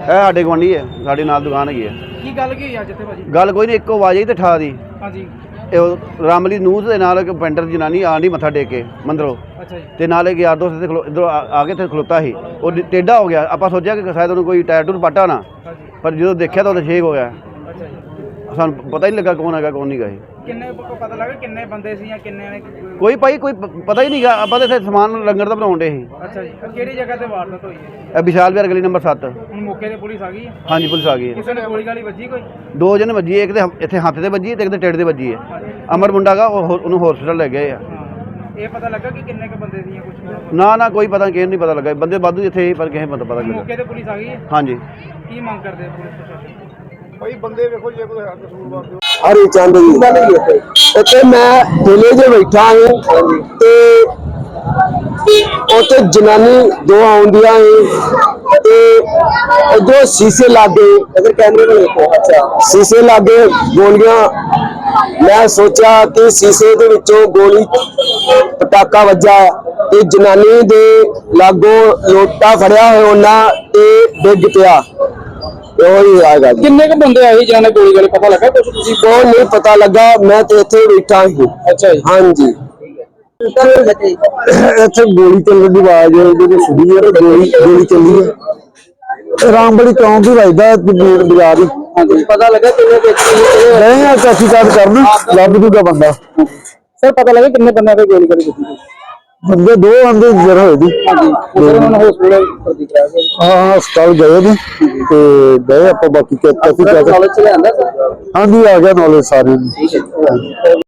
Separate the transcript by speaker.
Speaker 1: साडे गुआंढी है, साडे नाल दुकान हैगी है।
Speaker 2: की गल की अज इत्थे भाजी?
Speaker 1: गल कोई नहीं, इक्को आवाज आई तो ठा दी।
Speaker 2: हाँ जी।
Speaker 1: रामली नूह के नाल एक पेंटर जनानी आंडी मत्था टेक के मंदरों।
Speaker 2: अच्छा जी।
Speaker 1: ते नाल एक यार दोस्त इधर आके थे खलोता ही, वो टेढ़ा हो गया। आप सोचा कि शायद उन्होंने कोई टायर टूर पाटा ना,
Speaker 2: हाँ जी।
Speaker 1: पर जो देखा तो छेक हो गया।
Speaker 2: अच्छा जी।
Speaker 1: सानू पता ही नहीं लगा कौन है कौन नहीं गए।
Speaker 2: किन्ने पता लगा किन्ने बंदे सी या किन्ने ने?
Speaker 1: कोई भाई कोई पता ही नहीं गा। आप तो समान लंगर का बनाउन डे।
Speaker 2: अच्छा जी। किहड़ी जगह ते वारदात हुई है?
Speaker 1: विशाल विहार गली नंबर 7।
Speaker 2: हुण मौके ते पुलिस आ गई है?
Speaker 1: हाँ जी, पुलिस आ गई है।
Speaker 2: किसी ने गोली गाली वजी कोई?
Speaker 1: दो जने वजी, एक तो इतने हाथ से वजी, एक तो टेढ़ से वजी है। अमर मुंडा का उन्होंने हॉस्पिटल ले गए।
Speaker 2: ये पता लगा कि किन्ने के बंदे सी कुछ?
Speaker 1: ना कोई पता नहीं पता लगा। बंदे वाधू इतने ही, पर किसी पता लगा।
Speaker 2: मौके ते पुलिस आ गई है?
Speaker 1: हाँ जी।
Speaker 2: की मांग करते हैं पुलिस प्रशासन?
Speaker 1: भाई बंदे देखो जे कोई कसूरवार
Speaker 3: हरी चंद जी उत्थे मैं ठेले च बैठा हूँ ते उत्थे जनानी दो आउंदियां ते उधरों शीशे लागे इधर कैमरे में देखो। अच्छा, शीशे लागे गोलियां। मैं सोचा कि शीशे दे विचों गोली पटाका वजा ते जनानी दे लागों लोटा फड़िया होया उन्हां ते डिग पिया।
Speaker 2: किन्ने के बंदे आए जिन्होंने गोली गाली पता लगा कुछ?
Speaker 3: बहुत नहीं पता लगा, मैं तो इत्थे बैठा ही। अच्छा जी। हाँ जी। इत्थे गोली चलने की आवाज सुनी है, गोली चली है। रामबड़ी चौंक ही वजदा बाजार ही।
Speaker 2: पता लगा किन्ने
Speaker 3: नहीं तहकीकात करना लभ जूगा बंदा।
Speaker 2: सर पता लगा किन्ने बंदे पे गोली गाली की?
Speaker 3: बंदे दो बंदे जरा होए दी। हाँ अस्पताल गए थे गए आप बाकी तहकीकात। हाँ जी, आ गया नॉलेज सारे।